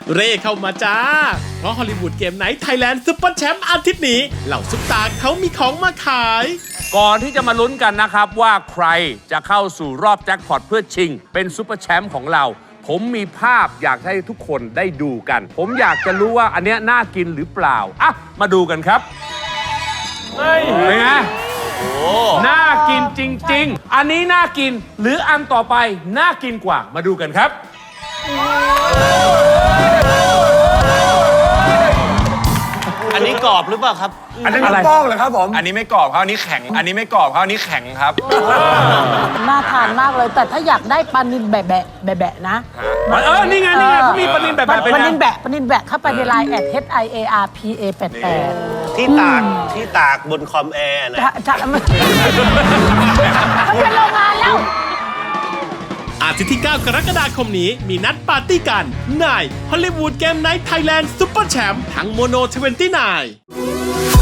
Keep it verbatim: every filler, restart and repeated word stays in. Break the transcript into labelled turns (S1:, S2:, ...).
S1: เร่เข้ามาจ้าเพราะฮอลลีวูดเกมไนท์ไทยแลนด์ซุปเปอร์แชมป์อาทิตย์นี้เหล่าซุปตาเขามีของมาขาย
S2: ก่อนที่จะมาลุ้นกันนะครับว่าใครจะเข้าสู่รอบแจ็คพอตเพื่อชิงเป็นซุปเปอร์แชมป์ของเราผมมีภาพอยากให้ทุกคนได้ดูกัน ผมอยากจะรู้ว่าอันเนี้ยน่ากินหรือเปล่าอ่ะมาดูกันครับเป็นไงน่ากินจริงๆอันนี้น่ากินหรืออันต่อไปน่ากินกว่ามาดูกันครับ
S3: อันนี้กรอบหรือเปล่าครับ
S4: อันนี้ไม่กรอบเหรอครับผมอันนี้ไม่กรอบครับอันนี้แข็งอันนี้ไม่กรอบครับอันนี้แข็งครับ
S5: น่าทานมากเลยแต่ถ้าอยากได้ปลานิลแบะแบะแบะแบะนะ
S2: เออนี่ไงนี่ไงเขามีปลานิลแบะแบะ
S5: ปลานิลแบะปลานิลแบะเข้าไปในไลน์แอด H I A R P A แปดแปด
S3: ที่ตากที่ตากบนคอมแอร์นะ
S5: จะจะมันเขาเป็นโรงงานแล้ว
S1: อาทิตย์ที่ เก้ากรกฎาคมนี้มีนัดปาร์ตี้กันในฮอลลีวูดเกมไนท์ไทยแลนด์ซุปเปอร์แชมป์ทั้งโมโนยี่สิบเก้า